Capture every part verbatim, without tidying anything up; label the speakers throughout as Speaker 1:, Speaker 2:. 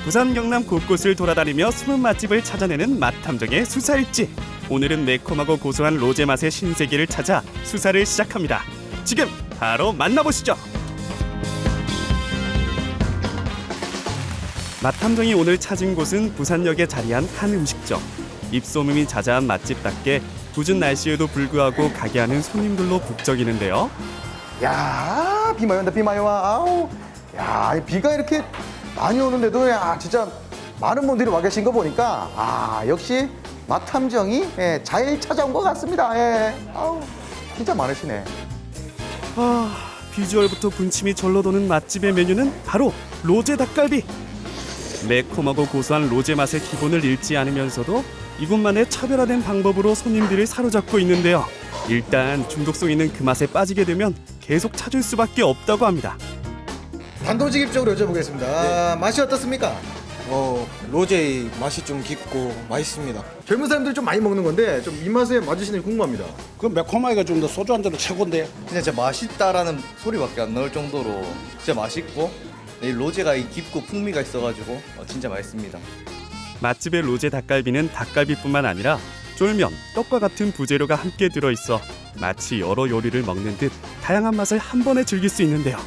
Speaker 1: 부산 경남 곳곳을 돌아다니며 숨은 맛집을 찾아내는 맛탐정의 수사일지. 오늘은 매콤하고 고소한 로제 맛의 신세계를 찾아 수사를 시작합니다. 지금 바로 만나보시죠. 맛탐정이 오늘 찾은 곳은 부산역에 자리한 한 음식점. 입소문이 자자한 맛집답게 궂은 날씨에도 불구하고 가게 하는 손님들로 북적이는데요.
Speaker 2: 야, 비 많이 온다, 비 많이 와. 아우, 야, 이 비가 이렇게 많이 오는데도 야, 진짜 많은 분들이 와 계신 거 보니까 아, 역시 맛탐정이 예, 잘 찾아온 것 같습니다. 예. 아우, 진짜 많으시네.
Speaker 1: 아, 비주얼부터 군침이 절로 도는 맛집의 메뉴는 바로 로제 닭갈비. 매콤하고 고소한 로제 맛의 기본을 잃지 않으면서도 이곳만의 차별화된 방법으로 손님들을 사로잡고 있는데요. 일단 중독성 있는 그 맛에 빠지게 되면 계속 찾을 수밖에 없다고 합니다.
Speaker 2: 단도직입적으로 여쭤보겠습니다. 아, 맛이 어떻습니까?
Speaker 3: 어, 로제의 맛이 좀 깊고 맛있습니다.
Speaker 2: 젊은 사람들이 좀 많이 먹는 건데 좀 입맛에 맞으시는지 궁금합니다.
Speaker 4: 그 매콤하기가 좀 더 소주 한 잔으로 최고인데.
Speaker 5: 진짜 진짜 맛있다라는 소리밖에 안 나올 정도로 진짜 맛있고 이 로제가 이 깊고 풍미가 있어가지고 어, 진짜 맛있습니다.
Speaker 1: 맛집의 로제 닭갈비는 닭갈비뿐만 아니라 쫄면, 떡과 같은 부재료가 함께 들어있어 마치 여러 요리를 먹는 듯 다양한 맛을 한 번에 즐길 수 있는데요.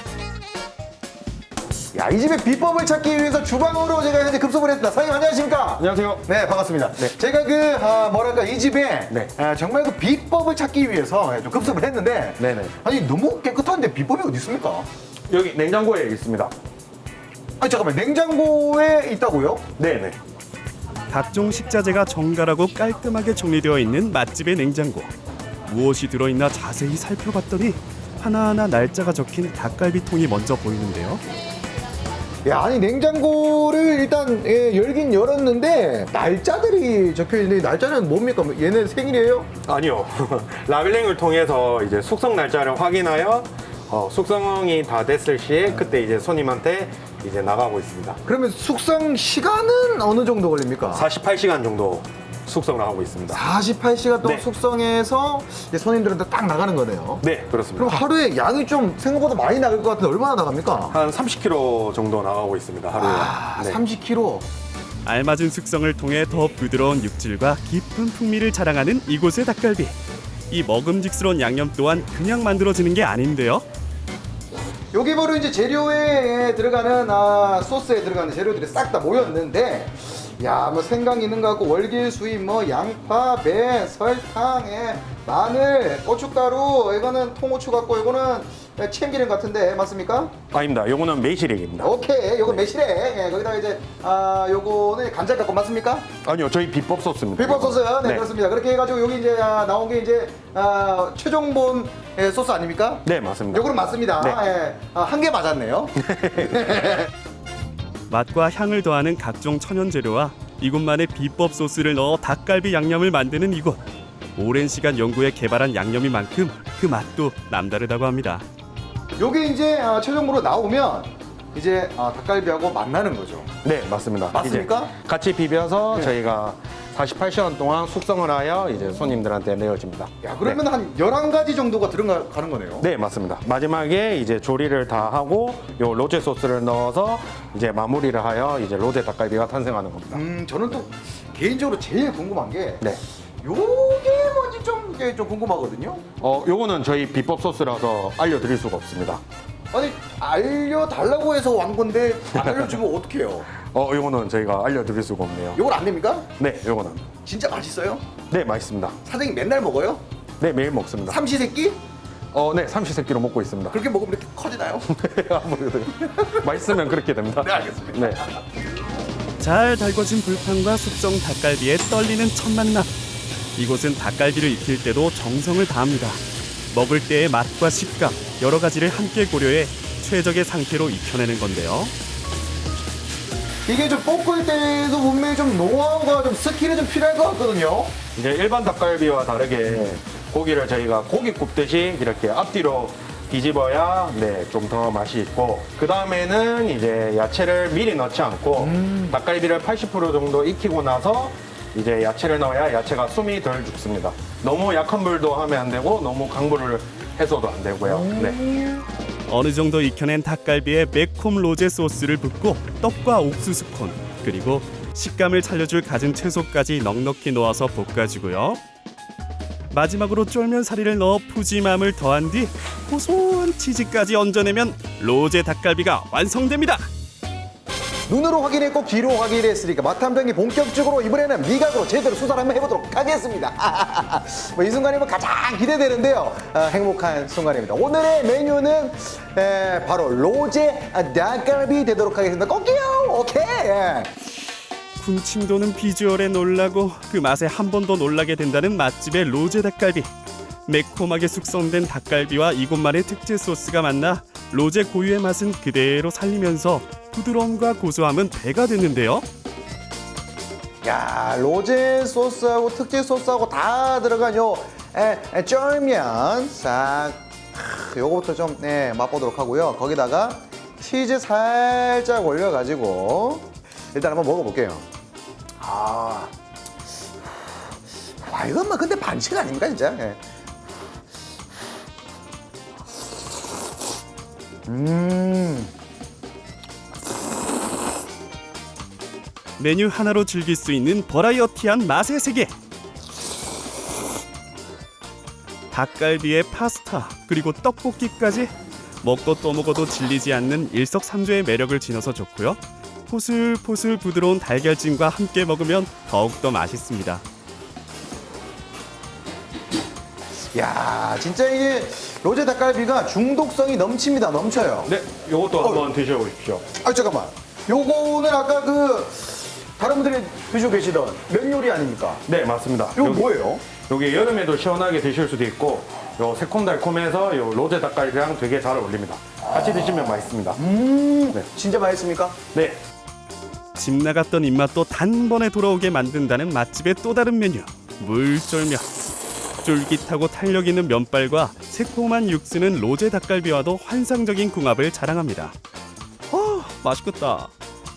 Speaker 2: 야, 이 집의 비법을 찾기 위해서 주방으로 제가 현재 급습을 했습니다. 사장님 안녕하십니까?
Speaker 6: 안녕하세요.
Speaker 2: 네, 반갑습니다. 제가 그 아, 뭐랄까 이 집에
Speaker 6: 네.
Speaker 2: 아, 정말 그 비법을 찾기 위해서 좀 급습을 했는데
Speaker 6: 네네.
Speaker 2: 아니 너무 깨끗한데 비법이 어디 있습니까?
Speaker 6: 여기 냉장고에 있습니다.
Speaker 2: 아니 잠깐만, 냉장고에 있다고요?
Speaker 6: 네네.
Speaker 1: 각종 식자재가 정갈하고 깔끔하게 정리되어 있는 맛집의 냉장고. 무엇이 들어있나 자세히 살펴봤더니 하나하나 날짜가 적힌 닭갈비통이 먼저 보이는데요.
Speaker 2: 야, 아니 냉장고를 일단 예, 열긴 열었는데 날짜들이 적혀 있는데 날짜는 뭡니까? 얘네 생일이에요?
Speaker 6: 아니요. 라벨링을 통해서 이제 숙성 날짜를 확인하여 어, 숙성이 다 됐을 시에 그때 이제 손님한테 이제 나가고 있습니다.
Speaker 2: 그러면 숙성 시간은 어느 정도 걸립니까?
Speaker 6: 사십팔 시간 정도 숙성을 하고 있습니다.
Speaker 2: 사십팔 시간 동안
Speaker 6: 네.
Speaker 2: 숙성해서 이제 손님들한테 딱 나가는 거네요.
Speaker 6: 네, 그렇습니다.
Speaker 2: 그럼 하루에 양이 좀 생각보다 많이 나갈 것 같은데 얼마나 나갑니까?
Speaker 6: 한 삼십 킬로그램 정도 나가고 있습니다, 하루에.
Speaker 2: 아,
Speaker 6: 네.
Speaker 2: 삼십 킬로그램.
Speaker 1: 알맞은 숙성을 통해 더 부드러운 육질과 깊은 풍미를 자랑하는 이곳의 닭갈비. 이 먹음직스러운 양념 또한 그냥 만들어지는 게 아닌데요.
Speaker 2: 여기 바로 이제 재료에 들어가는 아, 소스에 들어가는 재료들이 싹 다 모였는데, 야, 뭐 생강 있는 거 같고 월계수잎, 뭐 양파, 배, 설탕, 에, 마늘, 고춧가루, 이거는 통후추 같고 이거는 참기름 같은데 맞습니까?
Speaker 6: 아닙니다. 요거는 매실액입니다.
Speaker 2: 오케이, 요거 매실액. 예, 거기다가 이제 아, 요거는 간장 같고 맞습니까?
Speaker 6: 아니요, 저희 비법 소스입니다.
Speaker 2: 비법 소스, 네,
Speaker 6: 네.
Speaker 2: 그렇습니다. 그렇게 해가지고 여기 이제 아, 나온 게 이제 아, 최종본 예, 소스 아닙니까?
Speaker 6: 네, 맞습니다.
Speaker 2: 요거는 맞습니다.
Speaker 6: 네.
Speaker 2: 예, 아, 한 개 맞았네요.
Speaker 1: 맛과 향을 더하는 각종 천연 재료와 이곳만의 비법 소스를 넣어 닭갈비 양념을 만드는 이곳. 오랜 시간 연구해 개발한 양념인 만큼 그 맛도 남다르다고 합니다.
Speaker 2: 요게 이제 아, 최종으로 나오면 이제 아, 닭갈비하고 만나는 거죠.
Speaker 6: 네, 맞습니다.
Speaker 2: 맞습니까?
Speaker 6: 이제 같이 비벼서
Speaker 2: 네.
Speaker 6: 저희가 사십팔 시간 동안 숙성을 하여 이제 손님들한테 내어집니다.
Speaker 2: 야, 그러면 한 열한 가지 정도가 들어가는 거네요.
Speaker 6: 네, 맞습니다. 마지막에 이제 조리를 다 하고 요 로제 소스를 넣어서 이제 마무리를 하여 이제 로제 닭갈비가 탄생하는 겁니다.
Speaker 2: 음, 저는 또 개인적으로 제일 궁금한 게
Speaker 6: 네.
Speaker 2: 요게 뭔지 좀, 이게 좀 궁금하거든요.
Speaker 6: 어, 요거는 저희 비법 소스라서 알려드릴 수가 없습니다.
Speaker 2: 아니, 알려달라고 해서 완 건데 안 알려주면 어떡해요?
Speaker 6: 어, 요거는 저희가 알려드릴 수가 없네요.
Speaker 2: 요걸 안 됩니까?
Speaker 6: 네, 요거는.
Speaker 2: 진짜 맛있어요?
Speaker 6: 네, 맛있습니다.
Speaker 2: 사장님 맨날 먹어요?
Speaker 6: 네, 매일 먹습니다.
Speaker 2: 삼시세끼?
Speaker 6: 어, 네, 삼시세끼로 먹고 있습니다.
Speaker 2: 그렇게 먹으면 이렇게 커지나요?
Speaker 6: 아무래도 맛있으면 그렇게 됩니다.
Speaker 2: 네, 알겠습니다.
Speaker 6: 네.
Speaker 1: 잘 달궈진 불판과 숙성 닭갈비의 떨리는 첫 만남. 이곳은 닭갈비를 익힐 때도 정성을 다합니다. 먹을 때의 맛과 식감, 여러 가지를 함께 고려해 최적의 상태로 익혀내는 건데요.
Speaker 2: 이게 좀 볶을 때도 분명히 좀 노하우가 좀 스킬이 좀 필요할 것 같거든요.
Speaker 6: 이제 일반 닭갈비와 다르게 고기를 저희가 고기 굽듯이 이렇게 앞뒤로 뒤집어야 네, 좀 더 맛이 있고 그 다음에는 이제 야채를 미리 넣지 않고
Speaker 2: 음.
Speaker 6: 닭갈비를 팔십 퍼센트 정도 익히고 나서 이제 야채를 넣어야 야채가 숨이 덜 죽습니다. 너무 약한 불도 하면 안 되고 너무 강불을 해서도 안 되고요. 네.
Speaker 1: 어느 정도 익혀낸 닭갈비에 매콤 로제 소스를 붓고 떡과 옥수수 콘 그리고 식감을 살려줄 갖은 채소까지 넉넉히 넣어서 볶아주고요. 마지막으로 쫄면 사리를 넣어 푸짐함을 더한 뒤 고소한 치즈까지 얹어내면 로제 닭갈비가 완성됩니다.
Speaker 2: 눈으로 확인했고 귀로 확인했으니까 맛탐정이 본격적으로 이번에는 미각으로 제대로 수사를 한번 해보도록 하겠습니다. 뭐 이 순간이 뭐 가장 기대되는데요. 아, 행복한 순간입니다. 오늘의 메뉴는 에, 바로 로제 닭갈비 되도록 하겠습니다. 꼭이요. 오케이. 예.
Speaker 1: 군침 도는 비주얼에 놀라고 그 맛에 한 번 더 놀라게 된다는 맛집의 로제 닭갈비. 매콤하게 숙성된 닭갈비와 이곳만의 특제 소스가 만나 로제 고유의 맛은 그대로 살리면서 부드러움과 고소함은 배가 됐는데요.
Speaker 2: 야, 로제 소스하고 특제 소스하고 다 들어간 요 에, 에, 쫄면 싹 크, 요거부터 좀 네, 맛보도록 하고요. 거기다가 치즈 살짝 올려가지고 일단 한번 먹어볼게요. 아, 와 이건 뭐 근데 반칙 아닙니까 진짜? 예. 음.
Speaker 1: 메뉴 하나로 즐길 수 있는 버라이어티한 맛의 세계. 닭갈비에 파스타 그리고 떡볶이까지 먹고 또 먹어도 질리지 않는 일석삼조의 매력을 지녀서 좋고요. 포슬포슬 부드러운 달걀찜과 함께 먹으면 더욱더 맛있습니다.
Speaker 2: 야, 진짜 이게 로제 닭갈비가 중독성이 넘칩니다. 넘쳐요.
Speaker 6: 네, 요것도 한번 드셔보십시오.
Speaker 2: 아, 잠깐만. 요거는 아까 그 다른 분들이 드시고 계시던 면 요리 아닙니까?
Speaker 6: 네, 맞습니다.
Speaker 2: 이거
Speaker 6: 여기-
Speaker 2: 뭐예요?
Speaker 6: 여기 여름에도 시원하게 드실 수도 있고 요 새콤달콤해서 요 로제 닭갈비랑 되게 잘 어울립니다. 같이 드시면 맛있습니다.
Speaker 2: 음,
Speaker 6: 네.
Speaker 2: 진짜 맛있습니까?
Speaker 6: 네,
Speaker 1: 집 나갔던 입맛도 단번에 돌아오게 만든다는 맛집의 또 다른 메뉴 물쫄면. 쫄깃하고 탄력 있는 면발과 새콤한 육수는 로제 닭갈비와도 환상적인 궁합을 자랑합니다. 아, 맛있겠다.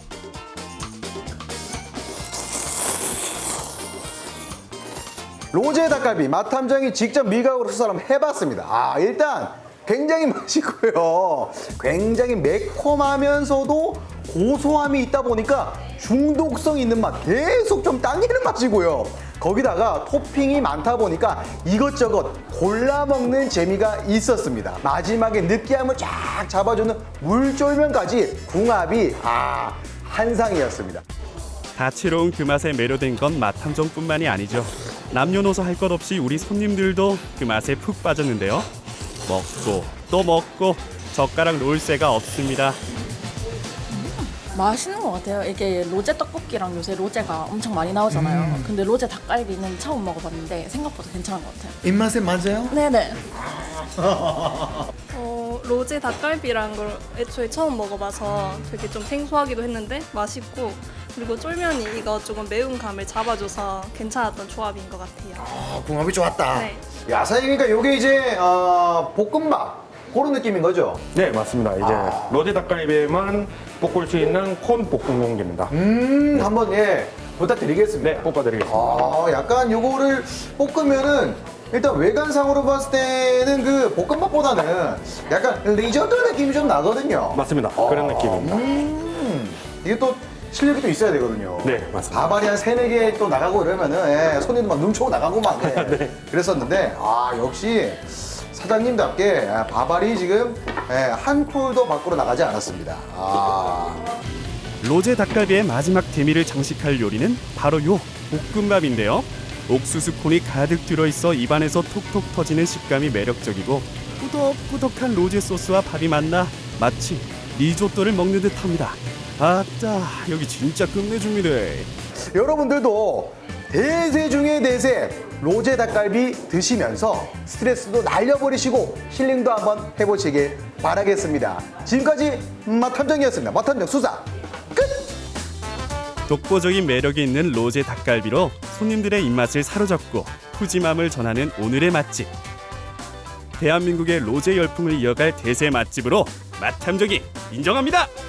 Speaker 2: 로제 닭갈비 맛탐정이 직접 미각으로 수사를 한번 해봤습니다. 아, 일단 굉장히 맛있고요. 굉장히 매콤하면서도 고소함이 있다 보니까 중독성 있는 맛, 계속 좀 당기는 맛이고요. 거기다가 토핑이 많다 보니까 이것저것 골라 먹는 재미가 있었습니다. 마지막에 느끼함을 쫙 잡아주는 물쫄면까지 궁합이 아 한상이었습니다.
Speaker 1: 다채로운 그 맛에 매료된 건 맛탐정뿐만이 아니죠. 남녀노소 할 것 없이 우리 손님들도 그 맛에 푹 빠졌는데요. 먹고 또 먹고 젓가락 놓을 새가 없습니다.
Speaker 7: 맛있는 것 같아요. 이게 로제 떡볶이랑 요새 로제가 엄청 많이 나오잖아요.
Speaker 2: 음.
Speaker 7: 근데 로제 닭갈비는 처음 먹어봤는데 생각보다 괜찮은 것 같아요.
Speaker 2: 입맛에 맞아요?
Speaker 7: 네네.
Speaker 8: 어, 로제 닭갈비라는 걸 애초에 처음 먹어봐서 되게 좀 생소하기도 했는데 맛있고, 그리고 쫄면이 이거 조금 매운 감을 잡아줘서 괜찮았던 조합인 것 같아요.
Speaker 2: 아, 궁합이 좋았다.
Speaker 8: 네.
Speaker 2: 야, 사장님, 그러니까 요게 이제 어, 볶음밥 그런 느낌인 거죠?
Speaker 6: 네 맞습니다. 이제 로제 닭갈비에만 볶을 수 있는 콘 볶음 용기입니다.
Speaker 2: 음, 한번 예 부탁드리겠습니다.
Speaker 6: 네, 볶아드리겠습니다.
Speaker 2: 아, 약간 요거를 볶으면은 일단 외관상으로 봤을 때는 그 볶음밥보다는 약간 리조또 느낌이 좀 나거든요.
Speaker 6: 맞습니다. 그런 느낌입니다.
Speaker 2: 음, 이게 또 실력이 또 있어야 되거든요.
Speaker 6: 네, 맞습니다.
Speaker 2: 밥알이 한 세네 개 또 나가고 이러면은 예, 손님도 막 눈초고 나가고 막 예.
Speaker 6: 네.
Speaker 2: 그랬었는데 아, 역시 사장님답게 아, 밥알이 지금 예, 한 콜도 밖으로 나가지 않았습니다. 아.
Speaker 1: 로제 닭갈비의 마지막 대미를 장식할 요리는 바로 요 볶음밥인데요. 옥수수 콘이 가득 들어있어 입안에서 톡톡 터지는 식감이 매력적이고 꾸덕꾸덕한 로제 소스와 밥이 만나 마치 리조또를 먹는 듯합니다. 아따, 여기 진짜 끝내줍니다.
Speaker 2: 여러분들도 대세 중의 대세 로제 닭갈비 드시면서 스트레스도 날려버리시고 힐링도 한번 해보시길 바라겠습니다. 지금까지 맛탐정이었습니다. 맛탐정 수사 끝!
Speaker 1: 독보적인 매력이 있는 로제 닭갈비로 손님들의 입맛을 사로잡고 푸짐함을 전하는 오늘의 맛집. 대한민국의 로제 열풍을 이어갈 대세 맛집으로 맛탐정이 인정합니다.